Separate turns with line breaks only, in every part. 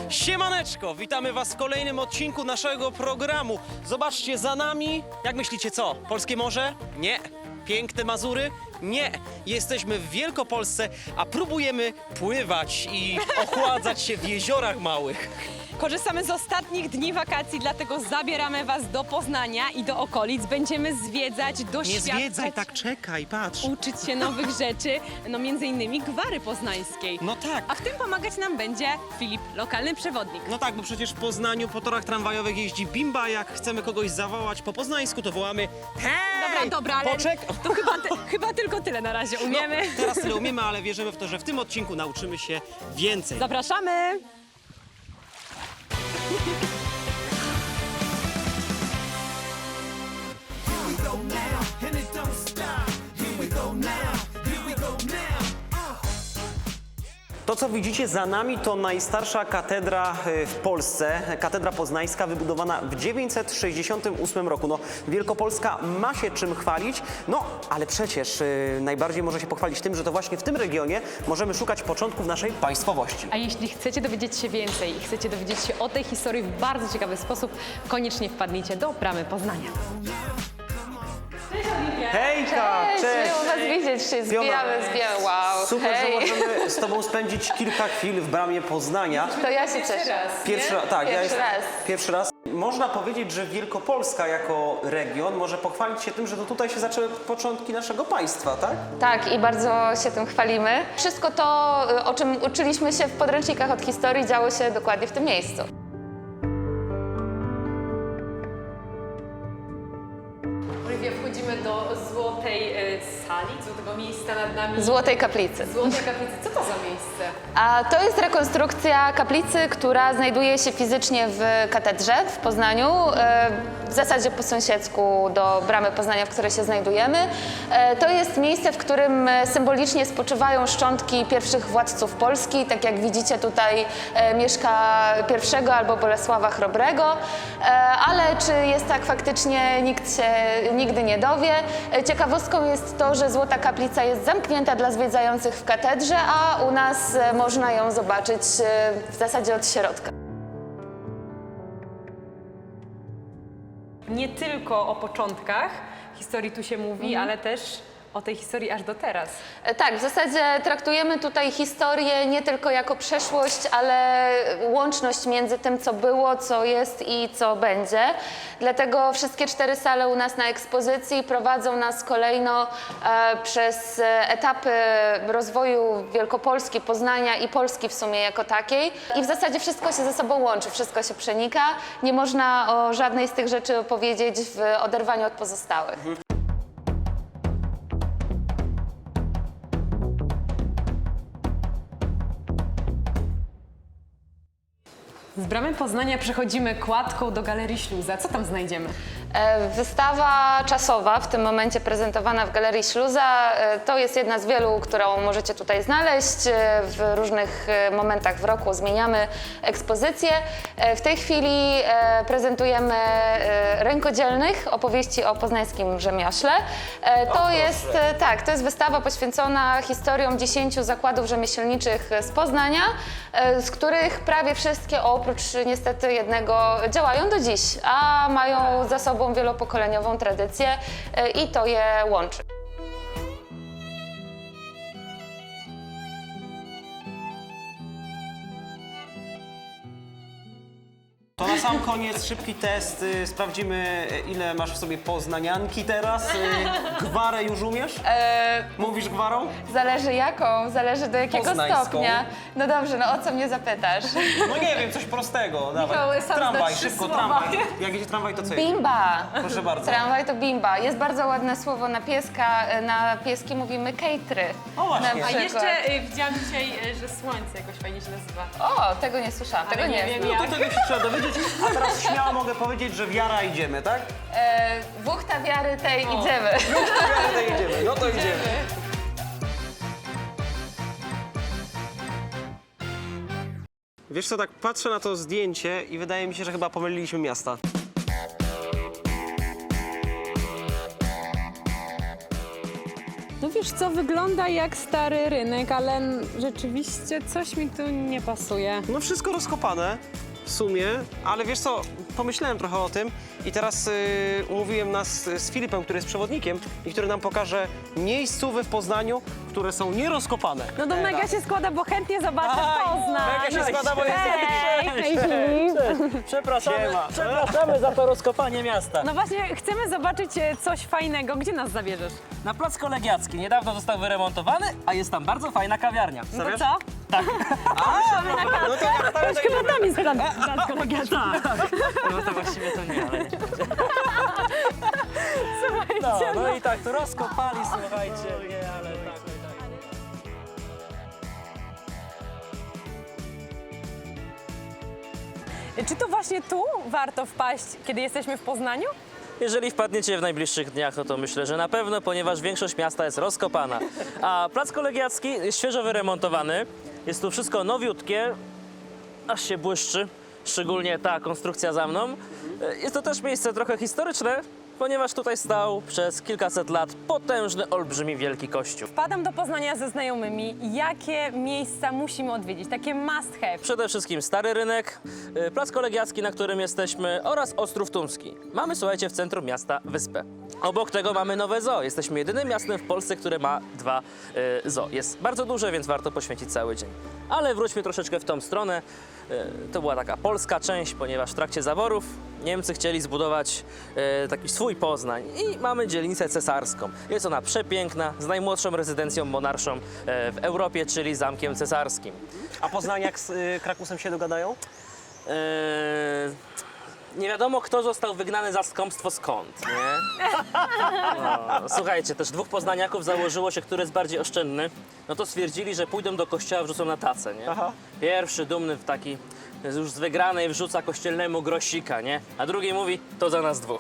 Siemaneczko, witamy was w kolejnym odcinku naszego programu. Zobaczcie za nami, jak myślicie co? Polskie morze? Nie. Piękne Mazury? Nie. Jesteśmy w Wielkopolsce, a próbujemy pływać i ochładzać się w jeziorach małych.
Korzystamy z ostatnich dni wakacji, dlatego zabieramy was do Poznania i do okolic. Będziemy zwiedzać,
Nie
doświadczać,
zwiedzaj, tak czekaj, patrz.
uczyć się nowych rzeczy, no między innymi gwary poznańskiej.
No tak.
A w tym pomagać nam będzie Filip, lokalny przewodnik.
No tak, bo przecież w Poznaniu po torach tramwajowych jeździ bimba. Jak chcemy kogoś zawołać po poznańsku, to wołamy hej!
Dobra, ale to chyba tylko tyle na razie umiemy.
No, teraz tyle umiemy, ale wierzymy w to, że w tym odcinku nauczymy się więcej.
Zapraszamy!
To, co widzicie za nami, to najstarsza katedra w Polsce, katedra poznańska, wybudowana w 968 roku. No, Wielkopolska ma się czym chwalić, no ale przecież najbardziej może się pochwalić tym, że to właśnie w tym regionie możemy szukać początków naszej państwowości.
A jeśli chcecie dowiedzieć się więcej i chcecie dowiedzieć się o tej historii w bardzo ciekawy sposób, koniecznie wpadnijcie do Bramy Poznania.
Hejka, cześć!
Miło was widzieć, się zbijamy, wow.
Super,
hej.
że możemy z tobą spędzić kilka chwil w Bramie Poznania.
To ja się cieszę.
Pierwszy raz. Można powiedzieć, że Wielkopolska jako region może pochwalić się tym, że to tutaj się zaczęły początki naszego państwa, tak?
Tak, i bardzo się tym chwalimy. Wszystko to, o czym uczyliśmy się w podręcznikach od historii, działo się dokładnie w tym miejscu.
Wchodzimy do złotej sali, złotego miejsca nad nami.
Złotej Kaplicy.
Złotej kaplicy. Co to za miejsce?
A to jest rekonstrukcja kaplicy, która znajduje się fizycznie w katedrze w Poznaniu, w zasadzie po sąsiedzku do Bramy Poznania, w której się znajdujemy. To jest miejsce, w którym symbolicznie spoczywają szczątki pierwszych władców Polski, tak jak widzicie tutaj Mieszka I albo Bolesława Chrobrego, ale czy jest tak faktycznie, nikt się nigdy nie dowie. Ciekawostką jest to, że Złota Kaplica jest zamknięta dla zwiedzających w katedrze, a u nas można ją zobaczyć w zasadzie od środka.
Nie tylko o początkach historii tu się mówi, ale też o tej historii aż do teraz.
Tak, w zasadzie traktujemy tutaj historię nie tylko jako przeszłość, ale łączność między tym, co było, co jest i co będzie. Dlatego wszystkie 4 sale u nas na ekspozycji prowadzą nas kolejno przez etapy rozwoju Wielkopolski, Poznania i Polski w sumie jako takiej. I w zasadzie wszystko się ze sobą łączy, wszystko się przenika. Nie można o żadnej z tych rzeczy opowiedzieć w oderwaniu od pozostałych.
Z Bramy Poznania przechodzimy kładką do Galerii Śluza. Co tam znajdziemy?
Wystawa czasowa, w tym momencie prezentowana w Galerii Śluza, to jest jedna z wielu, którą możecie tutaj znaleźć. W różnych momentach w roku zmieniamy ekspozycję. W tej chwili prezentujemy rękodzielnych opowieści o poznańskim rzemiośle. To jest wystawa poświęcona historiom 10 zakładów rzemieślniczych z Poznania, z których prawie wszystkie oprócz niestety jednego działają do dziś, a mają za sobą wielopokoleniową tradycję i to je łączy.
To na sam koniec szybki test. Sprawdzimy, ile masz w sobie poznanianki teraz. Gwarę już umiesz? Mówisz gwarą?
Zależy jaką, zależy do jakiego
Poznańską.
stopnia. No dobrze, no o co mnie zapytasz?
No nie wiem, coś prostego. Dawaj.
Michał, sam
Tramwaj,
zna 3
szybko,
słowa.
tramwaj. Jak jedzie tramwaj, to co jedzie?
Bimba!
Proszę bardzo.
Tramwaj to bimba. Jest bardzo ładne słowo na pieska. Na pieski mówimy kejtry.
O, właśnie.
Na
A
przykład.
jeszcze widziałam dzisiaj, że słońce jakoś fajnie się nazywa.
O, tego nie słyszałam, tego nie
wiem,
znam.
jak.
To tego się trzeba dowiedzieć. A teraz śmiało mogę powiedzieć, że wiara idziemy, tak?
Wuchta wiary tej idziemy.
Wiara, to idziemy. No to idziemy. Wiesz co, tak patrzę na to zdjęcie i wydaje mi się, że chyba pomyliliśmy miasta.
No wiesz co, wygląda jak stary rynek, ale rzeczywiście coś mi tu nie pasuje.
No wszystko rozkopane w sumie, ale wiesz co, pomyślałem trochę o tym i teraz umówiłem nas z Filipem, który jest przewodnikiem i który nam pokaże miejscówy w Poznaniu, które są nierozkopane.
No to mega się składa, bo chętnie zobaczę Poznań.
Mega się składa, bo jest...
Hej, Filip.
Przepraszamy za to rozkopanie miasta.
No właśnie, chcemy zobaczyć coś fajnego. Gdzie nas zabierzesz?
Na Plac Kolegiacki niedawno został wyremontowany, a jest tam bardzo fajna kawiarnia.
No to
Wiesz?
co?
No to ja stawiam to
Chyba tam jest plac kolegiacki.
No to właściwie to nie, ale nie.
Słuchajcie,
No i tak, tu rozkopali, słuchajcie. Nie, ale tak.
Czy to właśnie tu warto wpaść, kiedy jesteśmy w Poznaniu?
Jeżeli wpadniecie w najbliższych dniach, no to myślę, że na pewno, ponieważ większość miasta jest rozkopana. A Plac Kolegiacki jest świeżo wyremontowany. Jest tu wszystko nowiutkie, aż się błyszczy, szczególnie ta konstrukcja za mną. Jest to też miejsce trochę historyczne, ponieważ tutaj stał przez kilkaset lat potężny, olbrzymi, wielki kościół.
Wpadam do Poznania ze znajomymi. Jakie miejsca musimy odwiedzić? Takie must have.
Przede wszystkim Stary Rynek, Plac Kolegiacki, na którym jesteśmy, oraz Ostrów Tumski. Mamy, słuchajcie, w centrum miasta wyspę. Obok tego mamy nowe zoo. Jesteśmy jedynym miastem w Polsce, które ma 2 zoo. Jest bardzo duże, więc warto poświęcić cały dzień. Ale wróćmy troszeczkę w tą stronę. To była taka polska część, ponieważ w trakcie zaborów Niemcy chcieli zbudować taki swój Poznań i mamy dzielnicę cesarską. Jest ona przepiękna, z najmłodszą rezydencją monarszą w Europie, czyli Zamkiem Cesarskim.
A Poznaniak z Krakusem się dogadają?
Nie wiadomo, kto został wygnany za skąpstwo skąd, nie? No, słuchajcie, też 2 poznaniaków założyło się, który jest bardziej oszczędny. No to stwierdzili, że pójdą do kościoła, wrzucą na tacę, nie?
Aha.
Pierwszy, dumny w taki, już z wygranej wrzuca kościelnemu grosika, nie? A drugi mówi, to za nas 2.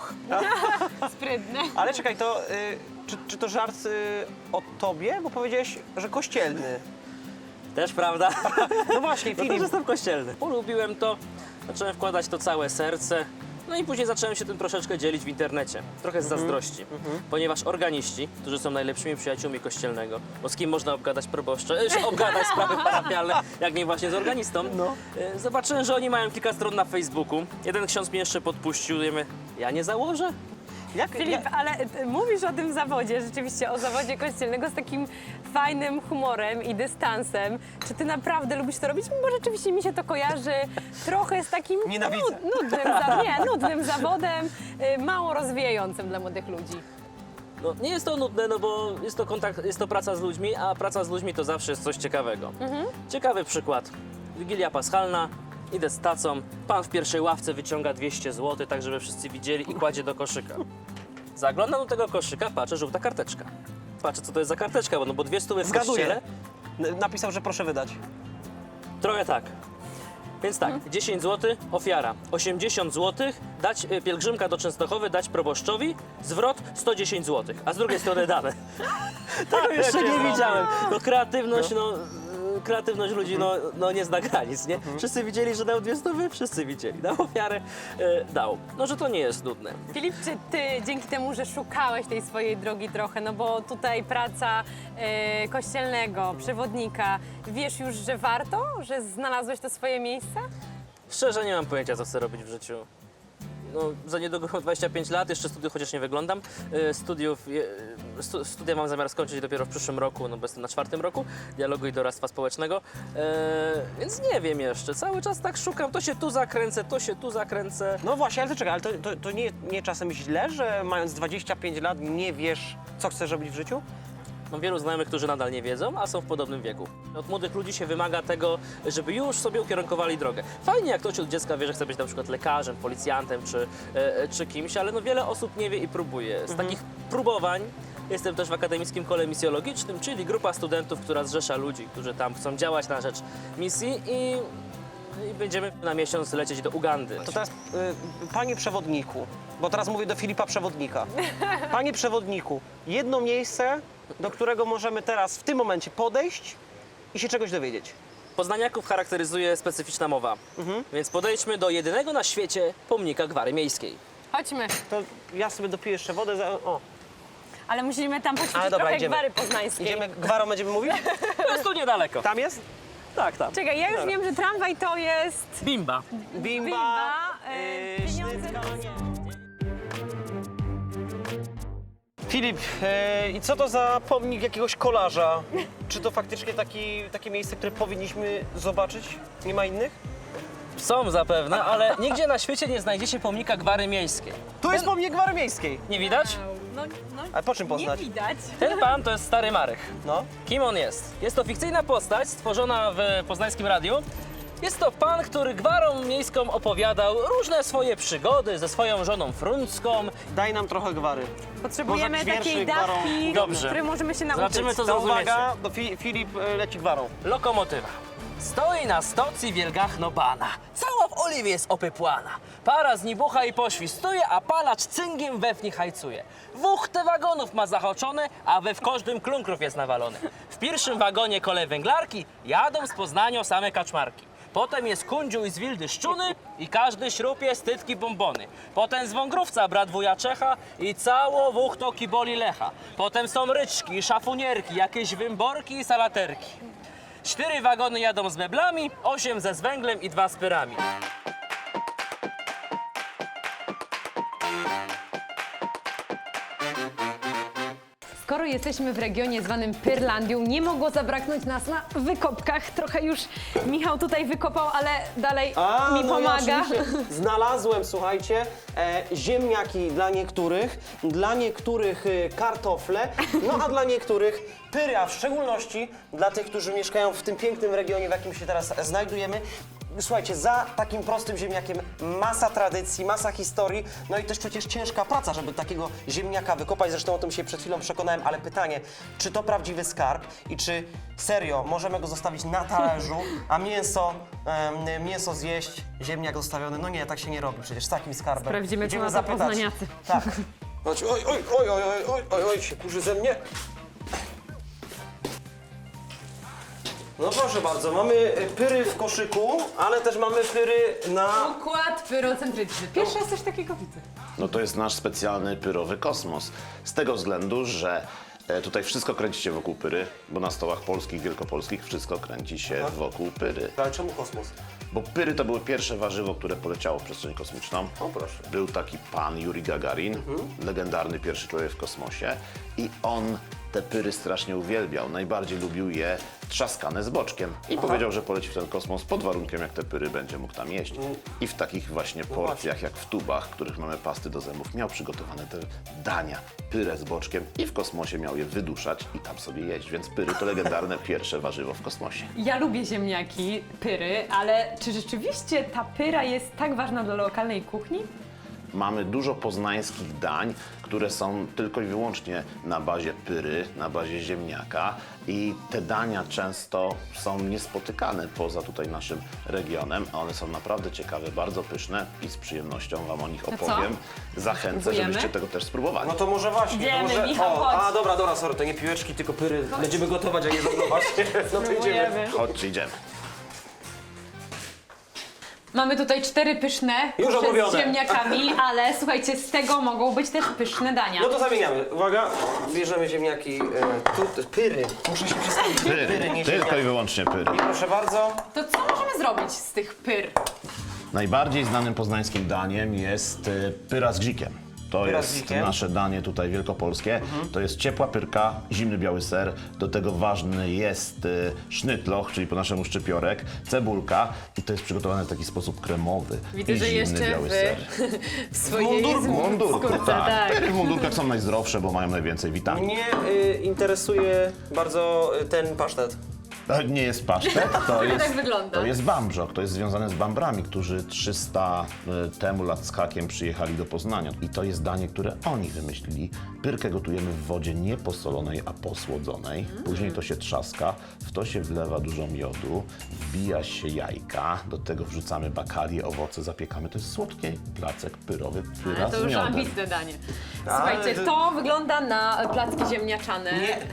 Sprytne.
Ale czekaj, to czy to żart o tobie? Bo powiedziałeś, że kościelny.
Też prawda?
No właśnie,
No też
Filip.
jestem kościelny. Polubiłem to, zacząłem wkładać to całe serce. No i później zacząłem się tym troszeczkę dzielić w internecie. Trochę z zazdrości. Ponieważ organiści, którzy są najlepszymi przyjaciółmi kościelnego, bo z kim można obgadać proboszcze, obgadać sprawy parafialne, jak nie właśnie z organistą. Zobaczyłem, że oni mają kilka stron na Facebooku. Jeden ksiądz mnie jeszcze podpuścił. Ja nie założę?
Filip, ale mówisz o tym zawodzie, rzeczywiście o zawodzie kościelnego z takim fajnym humorem i dystansem. Czy ty naprawdę lubisz to robić? Bo rzeczywiście mi się to kojarzy trochę z takim
Nienawidzę.
nudnym zawodem, mało rozwijającym dla młodych ludzi.
No, nie jest to nudne, no bo jest to kontakt, jest to praca z ludźmi, a praca z ludźmi to zawsze jest coś ciekawego. Ciekawy przykład. Wigilia Paschalna, idę z tacą, pan w pierwszej ławce wyciąga 200 zł, tak żeby wszyscy widzieli i kładzie do koszyka. Zaglądam do tego koszyka, patrzę, żółta karteczka. Patrzę, co to jest za karteczka, bo 200 w
Zgaduję.
kościele.
Napisał, że proszę wydać.
Trochę tak. Więc tak, 10 zł, ofiara. 80 zł, dać pielgrzymka do Częstochowy, dać proboszczowi, zwrot 110 zł, a z drugiej strony dane. Tego jeszcze nie widziałem. No kreatywność, kreatywność ludzi no nie zna granic, nie? Wszyscy widzieli, że dał 200, wszyscy widzieli. Dał ofiarę, dał. No, że to nie jest nudne.
Filip, czy ty dzięki temu, że szukałeś tej swojej drogi trochę, no bo tutaj praca kościelnego, przewodnika, wiesz już, że warto, że znalazłeś to swoje miejsce?
Szczerze nie mam pojęcia, co chcę robić w życiu. No, za niedługo mam 25 lat, jeszcze studiów, chociaż nie wyglądam. Studia mam zamiar skończyć dopiero w przyszłym roku, no bo jestem na 4. roku dialogu i doradztwa społecznego. Więc nie wiem jeszcze, cały czas tak szukam, to się tu zakręcę, to się tu zakręcę.
No właśnie, ale to czekaj, ale to nie czasem źle, że mając 25 lat nie wiesz, co chcesz robić w życiu?
Mam wielu znajomych, którzy nadal nie wiedzą, a są w podobnym wieku. Od młodych ludzi się wymaga tego, żeby już sobie ukierunkowali drogę. Fajnie, jak ktoś od dziecka wie, że chce być na przykład lekarzem, policjantem czy kimś, ale no wiele osób nie wie i próbuje. Z takich próbowań jestem też w Akademickim Kole Misjologicznym, czyli grupa studentów, która zrzesza ludzi, którzy tam chcą działać na rzecz misji i będziemy na miesiąc lecieć do Ugandy.
To teraz, panie przewodniku, bo teraz mówię do Filipa Przewodnika. Panie przewodniku, jedno miejsce, do którego możemy teraz w tym momencie podejść i się czegoś dowiedzieć.
Poznaniaków charakteryzuje specyficzna mowa, więc podejdźmy do jedynego na świecie pomnika gwary miejskiej.
Chodźmy.
To ja sobie dopiję jeszcze wodę. O,
ale musimy tam poćwiczyć
Ale dobra,
trochę
idziemy.
gwary poznańskiej.
Idziemy, gwarą będziemy mówić?
To jest tu niedaleko.
Tam jest?
Tak, tam.
Czekaj, ja już wiem, że tramwaj to jest...
Bimba.
Bimba, pieniądze...
Sznycka, nie. Filip, i co to za pomnik jakiegoś kolarza? Czy to faktycznie takie miejsce, które powinniśmy zobaczyć? Nie ma innych?
Są zapewne, ale nigdzie na świecie nie znajdziecie pomnika gwary miejskiej.
Tu jest pomnik gwary miejskiej.
Nie widać?
No,
A po czym
nie
poznać?
widać.
Ten pan to jest Stary Marek.
No.
Kim on jest? Jest to fikcyjna postać stworzona w poznańskim radiu. Jest to pan, który gwarą miejską opowiadał różne swoje przygody ze swoją żoną Fruncką.
Daj nam trochę gwary.
Potrzebujemy
Może
takiej
wierszy gwarą.
dawki,
Dobrze.
której możemy się nauczyć.
Zobaczymy, co
To
zrozumiecie.
uwaga, to Filip leci gwarą.
Lokomotywa. Stoi na stocji wielgachno bana. Cała w oliwie jest opypłana. Para z nibucha i poświstuje, a palacz cyngiem we wni hajcuje. Te wagonów ma zahaczone, a we w każdym klunkrów jest nawalony. W pierwszym wagonie kolej węglarki jadą z Poznania same kaczmarki. Potem jest kundziu i z Wildy szczuny i każdy śrupie stytki bombony. Potem z Wągrówca brat wuja Czecha i cało wuchto kiboli Lecha. Potem są ryczki, szafunierki, jakieś wymborki i salaterki. 4 wagony jadą z meblami, 8 ze z węglem i 2 z pyrami.
Skoro jesteśmy w regionie zwanym Pyrlandią, nie mogło zabraknąć nas na wykopkach. Trochę już Michał tutaj wykopał, ale dalej mi pomaga.
Ja oczywiście znalazłem, słuchajcie, ziemniaki dla niektórych kartofle, no a dla niektórych pyry, a w szczególności dla tych, którzy mieszkają w tym pięknym regionie, w jakim się teraz znajdujemy. Słuchajcie, za takim prostym ziemniakiem masa tradycji, masa historii, no i też przecież ciężka praca, żeby takiego ziemniaka wykopać. Zresztą o tym się przed chwilą przekonałem, ale pytanie, czy to prawdziwy skarb i czy serio możemy go zostawić na talerzu, a mięso zjeść, ziemniak zostawiony? No nie, tak się nie robi przecież z takim skarbem.
Sprawdzimy,
Idziemy
co na to
zapytać.
poznaniacy.
Tak. Chodź, oj, się kurzy ze mnie. No proszę bardzo, mamy pyry w koszyku, ale też mamy pyry na...
Układ pyrocentryczny. Pierwszy raz coś takiego widzę.
No to jest nasz specjalny pyrowy kosmos. Z tego względu, że tutaj wszystko kręci się wokół pyry, bo na stołach polskich, wielkopolskich wszystko kręci się wokół pyry.
Ale czemu kosmos?
Bo pyry to były pierwsze warzywo, które poleciało w przestrzeń kosmiczną.
O proszę.
Był taki pan Juri Gagarin, legendarny pierwszy człowiek w kosmosie i on te pyry strasznie uwielbiał. Najbardziej lubił je trzaskane z boczkiem i powiedział, że poleci w ten kosmos pod warunkiem, jak te pyry będzie mógł tam jeść. I w takich właśnie porcjach, jak w tubach, których mamy pasty do zębów, miał przygotowane te dania, pyrę z boczkiem i w kosmosie miał je wyduszać i tam sobie jeść. Więc pyry to legendarne pierwsze warzywo w kosmosie.
Ja lubię ziemniaki, pyry, ale czy rzeczywiście ta pyra jest tak ważna dla lokalnej kuchni?
Mamy dużo poznańskich dań, które są tylko i wyłącznie na bazie pyry, na bazie ziemniaka i te dania często są niespotykane poza tutaj naszym regionem, a one są naprawdę ciekawe, bardzo pyszne i z przyjemnością Wam o nich
co?
opowiem. Zachęcę,
Spróbujemy?
żebyście tego też spróbowali.
No to może właśnie.
Idziemy,
to może...
Michał, chodź.
A dobra, sorry, to nie piłeczki, tylko pyry. Będziemy gotować, a nie żonglować. No to idziemy.
Chodźcie, idziemy.
Mamy tutaj 4 pyszne
Już
kusze
omówione.
z ziemniakami, ale słuchajcie, z tego mogą być też pyszne dania.
No to zamieniamy. Uwaga, bierzemy ziemniaki, pyry. Muszę się przestawić.
Pyry,
nie
tylko i
ziemniaki.
wyłącznie pyry.
I proszę bardzo.
To co możemy zrobić z tych pyr?
Najbardziej znanym poznańskim daniem jest pyra z grzikiem. To
Pyra z
jest
grzikiem.
nasze danie tutaj wielkopolskie. To jest ciepła pyrka, zimny biały ser. Do tego ważny jest sznytloch, czyli po naszemu szczypiorek, cebulka i to jest przygotowane w taki sposób kremowy.
Widzę,
i
że
zimny
jeszcze
biały
w
ser.
swojej
W mundurku,
skórce,
tak. Pyry w mundurkach są najzdrowsze, bo mają najwięcej witamin.
Mnie interesuje bardzo ten pasztet.
To nie jest pasztet, to jest,
tak wygląda.
to jest bambrzok, to jest związane z Bambrami, którzy 300 temu lat z hakiem przyjechali do Poznania. I to jest danie, które oni wymyślili. Pyrkę gotujemy w wodzie nie posolonej, a posłodzonej. Później to się trzaska, w to się wlewa dużo miodu, wbija się jajka, do tego wrzucamy bakalię, owoce, zapiekamy. To jest słodki placek pyrowy, pyra
Ale to
z
już
miodem.
ambitne danie. Słuchajcie, to wygląda na placki ziemniaczane.
Nie.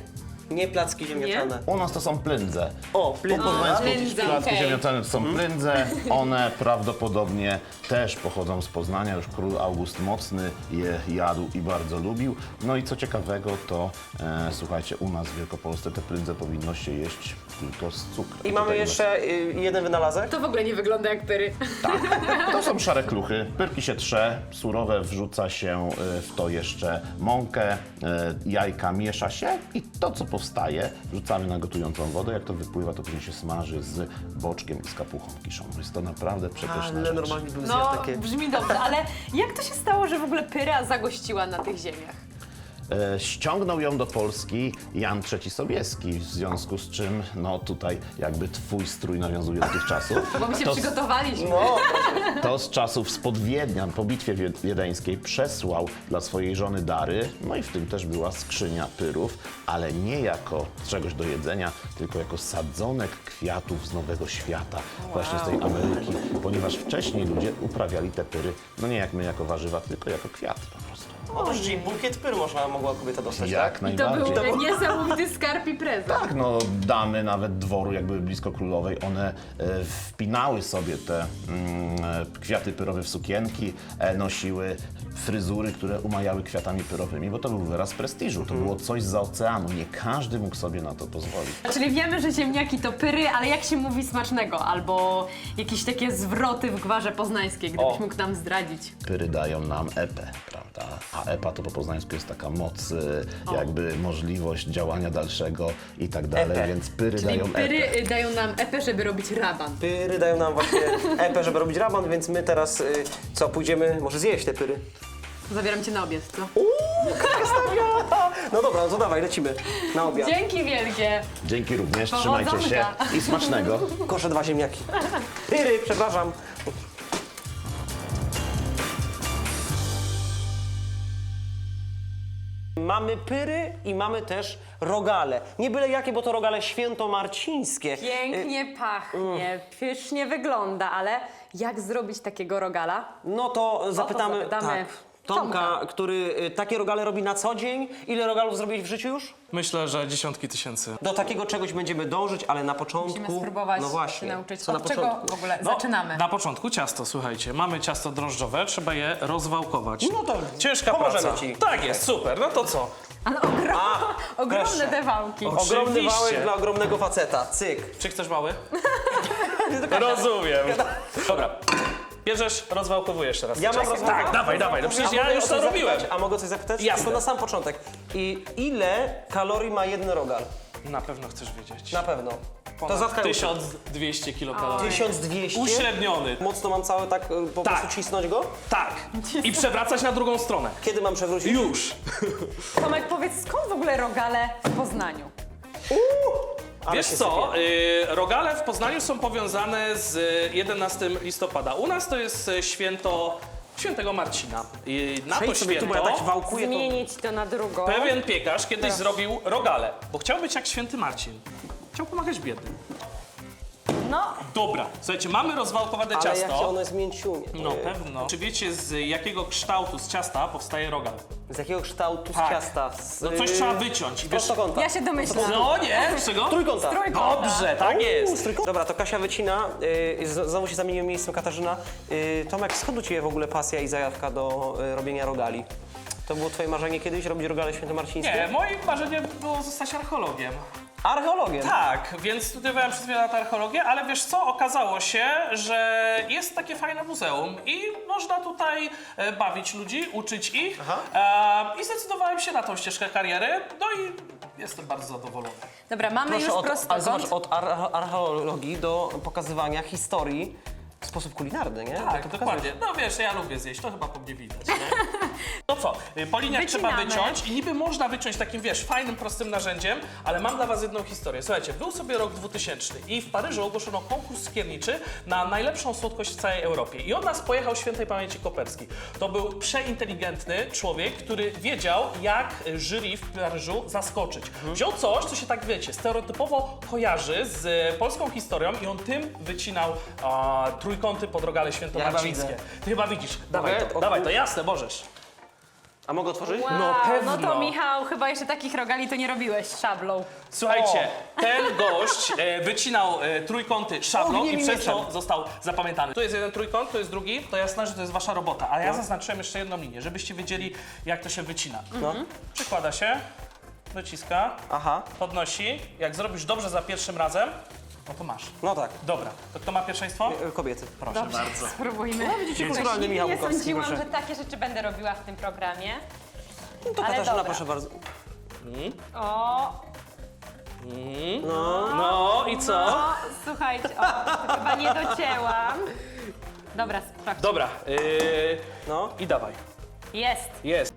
Nie placki ziemniaczane.
U nas to są plyndze.
O,
Po
plyn.
poznańsku
Plyndze,
placki
okej.
ziemniaczane to są plyndze. One prawdopodobnie też pochodzą z Poznania. Już król August Mocny je jadł i bardzo lubił. No i co ciekawego, to słuchajcie, u nas w Wielkopolsce te plyndze powinno się jeść tylko z cukrem.
I mamy
Tutaj
jeszcze jeden wynalazek.
To w ogóle nie wygląda jak pyry.
To są szare kluchy. Pyrki się trze, surowe, wrzuca się w to jeszcze mąkę, jajka miesza się i to, co powstaje, wrzucamy na gotującą wodę. Jak to wypływa, to później się smaży z boczkiem i z kapuchą kiszą. Jest to naprawdę przepyszna
Ale
rzecz.
normalnie bym
No,
zjadł takie.
brzmi dobrze, ale jak to się stało, że w ogóle pyra zagościła na tych ziemiach?
Ściągnął ją do Polski Jan III Sobieski, w związku z czym, no tutaj jakby twój strój nawiązuje do tych czasów.
Bo my się
To-
przygotowaliśmy.
No,
To z czasów spod Wiednia po bitwie wiedeńskiej przesłał dla swojej żony dary, no i w tym też była skrzynia pyrów, ale nie jako czegoś do jedzenia, tylko jako sadzonek kwiatów z Nowego Świata, właśnie z tej Ameryki, ponieważ wcześniej ludzie uprawiali te pyry, no nie jak my jako warzywa, tylko jako kwiaty po prostu.
o, czyli bukiet pyru mogła kobieta dostać,
Jak
tak?
I to
najbardziej.
był niesamowity skarb i prezent.
Tak, no damy nawet dworu, jak były blisko królowej, one wpinały sobie te kwiaty pyrowe w sukienki, nosiły fryzury, które umajały kwiatami pyrowymi, bo to był wyraz prestiżu, to było coś zza oceanu, nie każdy mógł sobie na to pozwolić.
Czyli wiemy, że ziemniaki to pyry, ale jak się mówi smacznego? Albo jakieś takie zwroty w gwarze poznańskiej, gdybyś mógł nam zdradzić.
Pyry dają nam epę, prawda? A epa to po poznańsku jest taka moc, jakby możliwość działania dalszego i tak dalej,
Epę.
więc pyry
Czyli
dają epę.
pyry dają nam epę, żeby robić raban.
Pyry dają nam właśnie epę, żeby robić raban, więc my teraz co, pójdziemy może zjeść te pyry?
Zabieram cię na obiad, co?
No dobra, no to dawaj, lecimy na obiad.
Dzięki wielkie!
Dzięki również,
Powodzonka.
trzymajcie się i smacznego.
Koszę 2 ziemniaki. Pyry, przepraszam. Mamy pyry i mamy też rogale. Nie byle jakie, bo to rogale świętomarcińskie.
Pięknie pachnie, pysznie wygląda, ale jak zrobić takiego rogala?
No to zapytamy
zapytamy
Tomka, który takie rogale robi na co dzień. Ile rogalów zrobić w życiu już?
Myślę, że dziesiątki tysięcy.
Do takiego czegoś będziemy dążyć, ale na początku...
Musimy spróbować
no właśnie,
się nauczyć.
co na
Od czego
początku?
w ogóle
No,
zaczynamy?
Na początku ciasto, słuchajcie. Mamy ciasto drożdżowe, trzeba je rozwałkować.
No to
Ciężka
pomożemy
praca.
ci.
Tak jest, super. No to co?
Ale ogromne
proszę.
te wałki.
Oczywiście.
Ogromny wałek dla ogromnego faceta. Cyk.
Czy chcesz mały? Rozumiem. Dobra. Bierzesz, rozwałkowujesz teraz.
Ja mam
Czekaj.
rozwałkować?
Tak, dawaj, dawaj. No przecież
A
ja
mogę
już
o
to
coś
robiłem.
zapytać? A mogę coś zapytać?
Jasne.
Tylko na sam początek. I ile kalorii ma jeden rogal?
Na pewno chcesz wiedzieć.
Na pewno. To
Ponad
zatkaj
1200 kilokalorii.
1200?
Uśredniony.
Mocno mam cały tak po
Tak.
prostu cisnąć go?
Tak. I przewracać na drugą stronę.
Kiedy mam przewrócić?
Już.
Tomek, powiedz, skąd w ogóle rogale w Poznaniu?
Ale
Wiesz
się
co,
sypie.
rogale w Poznaniu są powiązane z 11 listopada. U nas to jest święto świętego Marcina. I na to
Przejdź sobie tu,
święto
bo ja tak wałkuję to...
Zmienić to na drugą.
pewien piekarz kiedyś zrobił rogale, bo chciał być jak święty Marcin. Chciał pomagać biednym.
No,
Dobra, słuchajcie, mamy rozwałkowane
Ale
ciasto.
jakie ono jest mięciunie.
No pewno. Czy wiecie z jakiego kształtu z ciasta powstaje rogal?
Z jakiego kształtu z
Tak.
ciasta? Z,
No coś trzeba wyciąć. I wiesz,
prostokąta.
ja się domyślam.
no nie, z czego?
Trójkąta.
Dobrze, tak jest.
Z trójkąta. Dobra, to Kasia wycina. Znowu się zamieniłem miejscem Katarzyna. Tomek, skąd u Ciebie w ogóle pasja i zajawka do robienia rogali? To było Twoje marzenie kiedyś, robić rogale świętomarcińskie?
Nie, moim marzeniem było zostać archeologiem.
Archeologiem?
Tak, więc studiowałem przez wiele lat archeologię, ale wiesz co, okazało się, że jest takie fajne muzeum i można tutaj bawić ludzi, uczyć ich i zdecydowałem się na tą ścieżkę kariery, no i jestem bardzo zadowolony.
Dobra, mamy
Proszę,
już
ale
prostokąt.
zobacz, od archeologii do pokazywania historii w sposób kulinarny, nie?
Tak,
To
dokładnie. No wiesz, ja lubię zjeść, to chyba po mnie widać, nie? No co, po liniach trzeba
Wycinamy.
wyciąć i niby można wyciąć takim, wiesz, fajnym, prostym narzędziem, ale mam dla was jedną historię. Słuchajcie, był sobie rok 2000 i w Paryżu ogłoszono konkurs skierniczy na najlepszą słodkość w całej Europie. I od nas pojechał świętej pamięci Koperski. To był przeinteligentny człowiek, który wiedział, jak jury w Paryżu zaskoczyć. Wziął coś, co się tak, wiecie, stereotypowo kojarzy z polską historią i on tym wycinał trójkąty pod rogale świętomarcińskie.
widzę.
Ty chyba widzisz. Dawaj
Mogę?
to, dawaj to, jasne, możesz.
A mogę otworzyć?
Wow,
No pewno.
No to Michał, chyba jeszcze takich rogali to nie robiłeś szablą.
Słuchajcie, ten gość wycinał trójkąty szablą
Ognie
i
mi
przez
mieczem.
to został zapamiętany. Tu jest jeden trójkąt, tu jest drugi, to jasne, że to jest wasza robota, ale ja zaznaczyłem jeszcze jedną linię, żebyście wiedzieli, jak to się wycina.
No.
Przykłada się, dociska,
Aha,
podnosi, jak zrobisz dobrze za pierwszym razem, no to masz.
no tak.
Dobra, to kto ma pierwszeństwo?
Kobiety.
Proszę bardzo.
Spróbujmy.
widzicie, kulturalny Michał
Nie
Bukowski,
sądziłam,
proszę.
że takie rzeczy będę robiła w tym programie.
No to
Ale
Katarzyna,
dobra.
proszę bardzo.
O,
No i co?
o, słuchajcie, to chyba nie docięłam. Dobra, sprawdź.
Dobra,
No.
i dawaj.
Jest.
Jest.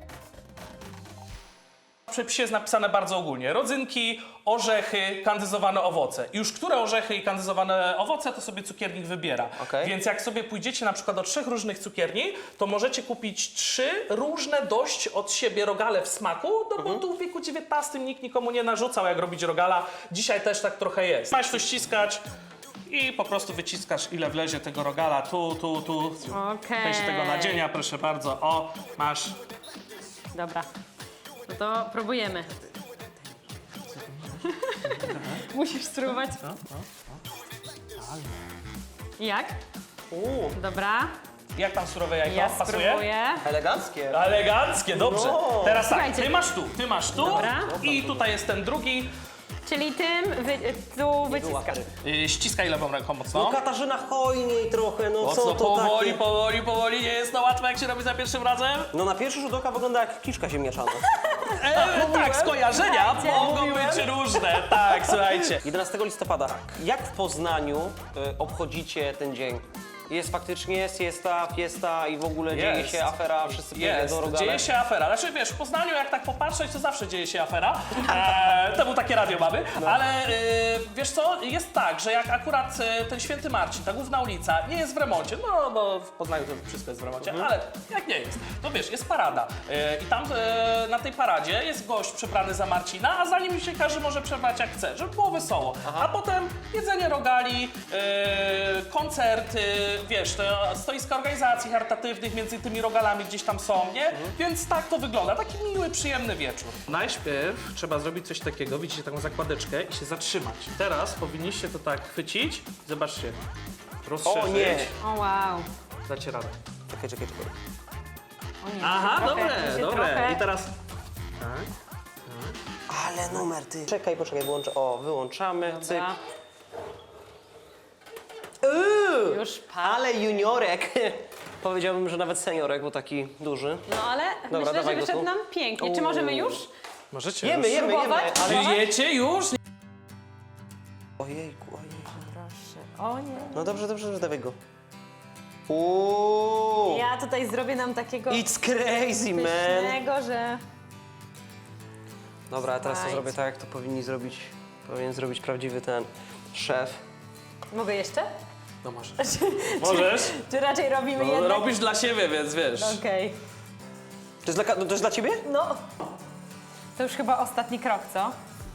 W przepisie jest napisane bardzo ogólnie. Rodzynki, orzechy, kandyzowane owoce. Już które orzechy i kandyzowane owoce, to sobie cukiernik wybiera.
Okej.
Więc jak sobie pójdziecie na przykład do 3 różnych cukierni, to możecie kupić 3 różne dość od siebie rogale w smaku, no bo tu w wieku XIX nikt nikomu nie narzucał, jak robić rogala. Dzisiaj też tak trochę jest. Masz to ściskać i po prostu wyciskasz, ile wlezie tego rogala. Tu.
Okej.
Weź tego nadzienia, proszę bardzo. O, masz.
Dobra. No to próbujemy. Musisz spróbować. Jak? Dobra.
Jak tam surowe jajko?
Ja
Pasuje?
spróbuję.
Eleganckie.
Eleganckie, dobrze.
No.
Teraz tak,
Słuchajcie.
ty masz tu
Dobra.
i tutaj jest ten drugi.
Czyli tym tu wyciskam.
Ściskaj lewą ręką mocno.
No Katarzyna, hojniej trochę, no co
Mocno,
to
powoli,
takie?
powoli, nie jest to łatwe, jak się robi za pierwszym razem.
No na pierwszy rzut oka wygląda jak kiszka ziemniaczana.
Tak, skojarzenia mogą być różne. Tak, słuchajcie.
11 listopada. Jak w Poznaniu obchodzicie ten dzień? Jest faktycznie fiesta i w ogóle dzieje się afera, wszyscy
Jest,
do rogale.
dzieje się afera. Znaczy wiesz, w Poznaniu jak tak popatrzeć, to zawsze dzieje się afera. To był takie radio mamy. Ale wiesz co, jest tak, że jak akurat ten Święty Marcin, ta główna ulica, nie jest w remoncie, no bo w Poznaniu to wszystko jest w remoncie, ale jak nie jest, to wiesz, jest parada. I tam na tej paradzie jest gość przebrany za Marcina, a za nim się każdy może przebrać jak chce, żeby było wesoło. A potem jedzenie rogali, koncerty, wiesz, te stoiska organizacji charytatywnych między tymi rogalami gdzieś tam są, nie? Więc tak to wygląda, taki miły, przyjemny wieczór. Najpierw trzeba zrobić coś takiego, widzicie taką zakładeczkę i się zatrzymać. Teraz powinniście to tak chwycić, zobaczcie, rozszerzyć.
O nie!
O wow.
Dacie radę.
Czekaj.
O nie,
Aha,
trochę,
dobre.
trochę.
I teraz...
Ale numer ty. Czekaj, poczekaj, wyłączę. O, wyłączamy, cyk.
Dobra. Już
Ale juniorek. Powiedziałbym, że nawet seniorek, bo taki duży.
No ale myślę, że
dawaj go
wyszedł
tu.
nam pięknie. Czy możemy już?
Możecie
Jemy,
Próbować?
ale...
Jecie już?
Ojejku.
Proszę. O nie.
No dobrze, dawaj go. Uuu.
Ja tutaj zrobię nam takiego
It's crazy, man.
pysznego, że...
Dobra, a teraz to
Słuchajcie.
zrobię tak, jak to powinien zrobić prawdziwy ten szef.
Mogę jeszcze?
No możesz. Możesz?
Czy raczej robimy
No,
jednak?
robisz dla siebie, więc wiesz.
Okej.
To jest dla ciebie?
No. To już chyba ostatni krok, co?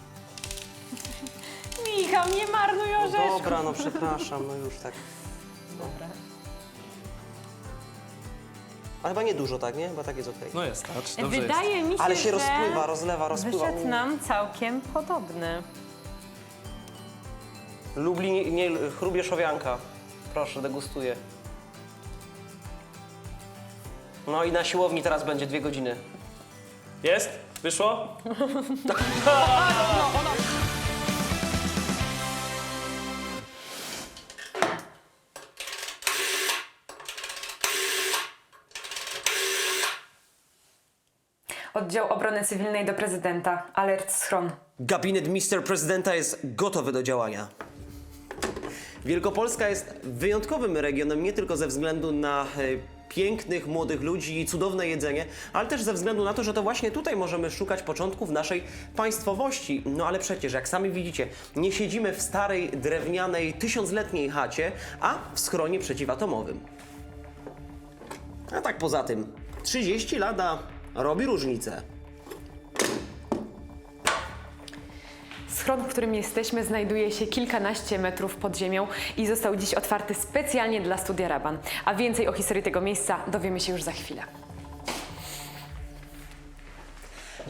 Michał, nie marnuj orzeszków.
Dobra, no przepraszam, no już tak.
Dobra.
A chyba nie dużo, tak, nie? Chyba tak jest okej.
No jest, tak, dobrze jest.
Wydaje mi się,
Ale się
że
rozpływa, rozpływa.
wyszedł nam całkiem podobny.
Lublin, nie, Chrubieszowianka. Proszę, degustuję. No i na siłowni teraz będzie 2 godziny.
Jest? Wyszło?
Oddział Obrony Cywilnej do Prezydenta. Alert schron.
Gabinet Mr. Prezydenta jest gotowy do działania. Wielkopolska jest wyjątkowym regionem nie tylko ze względu na pięknych, młodych ludzi i cudowne jedzenie, ale też ze względu na to, że to właśnie tutaj możemy szukać początków naszej państwowości. No ale przecież, jak sami widzicie, nie siedzimy w starej, drewnianej, 1000-letniej chacie, a w schronie przeciwatomowym. A tak poza tym, 30 lat robi różnicę.
Schron, w którym jesteśmy, znajduje się kilkanaście metrów pod ziemią i został dziś otwarty specjalnie dla Studia Raban. A więcej o historii tego miejsca dowiemy się już za chwilę.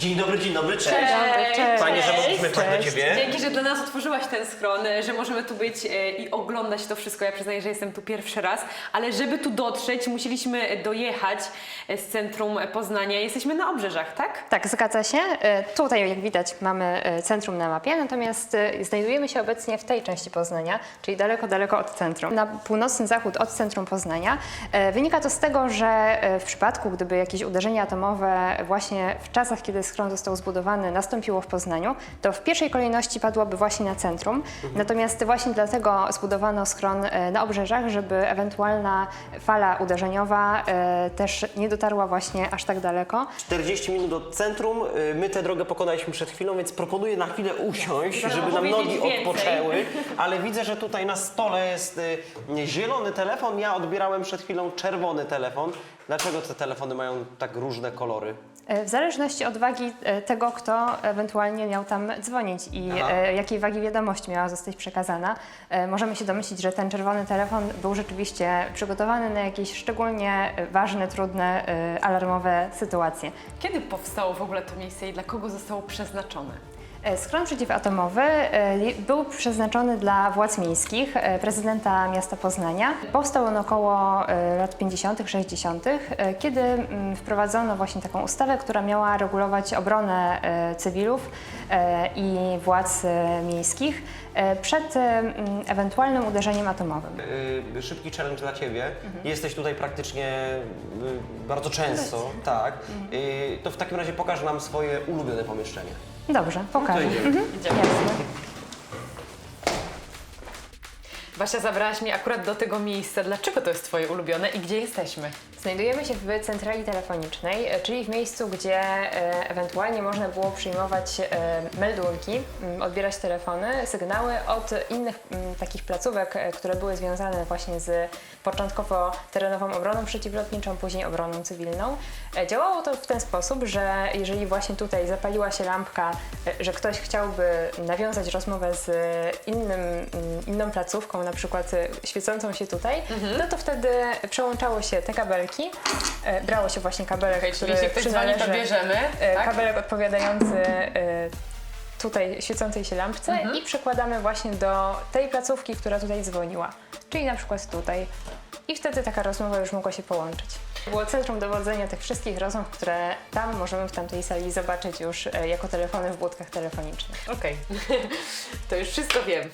Dzień dobry, cześć.
Cześć.
Fajnie, że mogliśmy wpaść do ciebie.
Dzięki, że dla nas otworzyłaś ten schron, że możemy tu być i oglądać to wszystko. Ja przyznaję, że jestem tu pierwszy raz, ale żeby tu dotrzeć, musieliśmy dojechać z centrum Poznania. Jesteśmy na obrzeżach, tak?
Tak, zgadza się. Tutaj, jak widać, mamy centrum na mapie, natomiast znajdujemy się obecnie w tej części Poznania, czyli daleko, daleko od centrum. Na północny zachód od centrum Poznania. Wynika to z tego, że w przypadku, gdyby jakieś uderzenie atomowe właśnie w czasach, kiedy schron został zbudowany, nastąpiło w Poznaniu, to w pierwszej kolejności padłoby właśnie na centrum. Natomiast właśnie dlatego zbudowano schron na obrzeżach, żeby ewentualna fala uderzeniowa też nie dotarła właśnie aż tak daleko.
40 minut od centrum, my tę drogę pokonaliśmy przed chwilą, więc proponuję na chwilę usiąść,
Żeby
żeby nam
powiedzieć
nogi
więcej.
odpoczęły, ale widzę, że tutaj na stole jest zielony telefon, ja odbierałem przed chwilą czerwony telefon. Dlaczego te telefony mają tak różne kolory?
W zależności od wagi tego, kto ewentualnie miał tam dzwonić i jakiej wagi wiadomość miała zostać przekazana, możemy się domyślić, że ten czerwony telefon był rzeczywiście przygotowany na jakieś szczególnie ważne, trudne, alarmowe sytuacje.
Kiedy powstało w ogóle to miejsce i dla kogo zostało przeznaczone?
Schron przeciwatomowy był przeznaczony dla władz miejskich, prezydenta miasta Poznania. Powstał on około lat 50., 60., kiedy wprowadzono właśnie taką ustawę, która miała regulować obronę cywilów i władz miejskich przed ewentualnym uderzeniem atomowym.
Szybki challenge dla Ciebie. Jesteś tutaj praktycznie bardzo często, tak. To w takim razie pokaż nam swoje ulubione pomieszczenie.
Dobrze, pokażę.
idziemy.
Jasne.
Basia, zabrałaś mnie akurat do tego miejsca. Dlaczego to jest Twoje ulubione i gdzie jesteśmy?
Znajdujemy się w centrali telefonicznej, czyli w miejscu, gdzie ewentualnie można było przyjmować meldunki, odbierać telefony, sygnały od innych takich placówek, które były związane właśnie z początkowo terenową obroną przeciwlotniczą, później obroną cywilną. Działało to w ten sposób, że jeżeli właśnie tutaj zapaliła się lampka, że ktoś chciałby nawiązać rozmowę z inną placówką, na przykład świecącą się tutaj, no to wtedy przełączało się te kabelki, brało się właśnie kabelek,
Czyli
który
jeśli ktoś dzwoni, to
przynależy,
bierzemy, tak?
kabelek odpowiadający tutaj świecącej się lampce i przekładamy właśnie do tej placówki, która tutaj dzwoniła, czyli na przykład tutaj. I wtedy taka rozmowa już mogła się połączyć. Było centrum dowodzenia tych wszystkich rozmów, które tam możemy w tamtej sali zobaczyć już jako telefony w budkach telefonicznych.
Okej, to już wszystko wiem.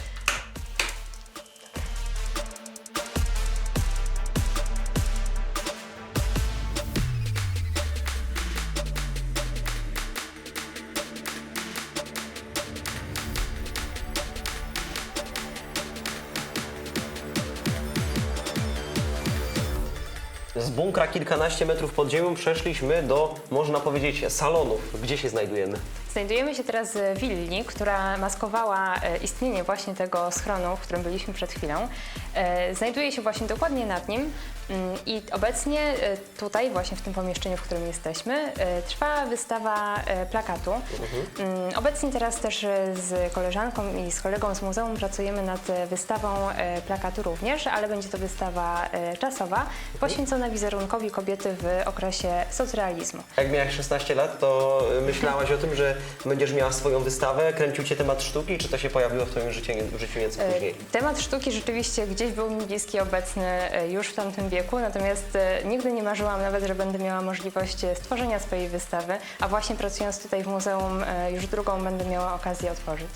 Z bunkra kilkanaście metrów pod ziemią przeszliśmy do, można powiedzieć, salonów. Gdzie się znajdujemy?
Znajdujemy się teraz w willi, która maskowała istnienie właśnie tego schronu, w którym byliśmy przed chwilą. Znajduje się właśnie dokładnie nad nim i obecnie tutaj, właśnie w tym pomieszczeniu, w którym jesteśmy, trwa wystawa plakatu. Obecnie teraz też z koleżanką i z kolegą z muzeum pracujemy nad wystawą plakatu również, ale będzie to wystawa czasowa, poświęcona wizerunkowi kobiety w okresie socrealizmu.
Jak miałaś 16 lat, to myślałaś o tym, że będziesz miała swoją wystawę? Kręcił Cię temat sztuki, czy to się pojawiło w Twoim życiu nieco później?
Temat sztuki rzeczywiście gdzieś był mi bliski, obecny już w tamtym wieku, natomiast nigdy nie marzyłam nawet, że będę miała możliwość stworzenia swojej wystawy, a właśnie pracując tutaj w muzeum już drugą będę miała okazję otworzyć.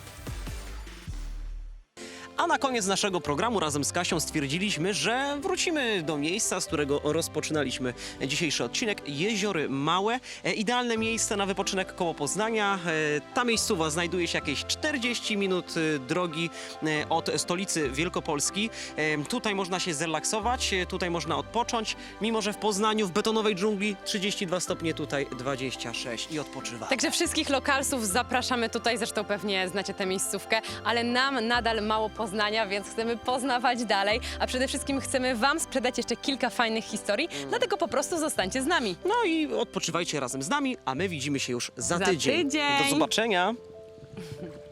A na koniec naszego programu razem z Kasią stwierdziliśmy, że wrócimy do miejsca, z którego rozpoczynaliśmy dzisiejszy odcinek. Jeziory Małe. Idealne miejsce na wypoczynek koło Poznania. Ta miejscowa znajduje się jakieś 40 minut drogi od stolicy Wielkopolski. Tutaj można się zrelaksować, tutaj można odpocząć. Mimo że w Poznaniu, w betonowej dżungli 32 stopnie, tutaj 26 i odpoczywa.
Także wszystkich lokalsów zapraszamy tutaj, zresztą pewnie znacie tę miejscówkę, ale nam nadal mało Poznania, więc chcemy poznawać dalej, a przede wszystkim chcemy Wam sprzedać jeszcze kilka fajnych historii, dlatego po prostu zostańcie z nami.
No i odpoczywajcie razem z nami, a my widzimy się już za
Za
tydzień.
tydzień.
Do zobaczenia.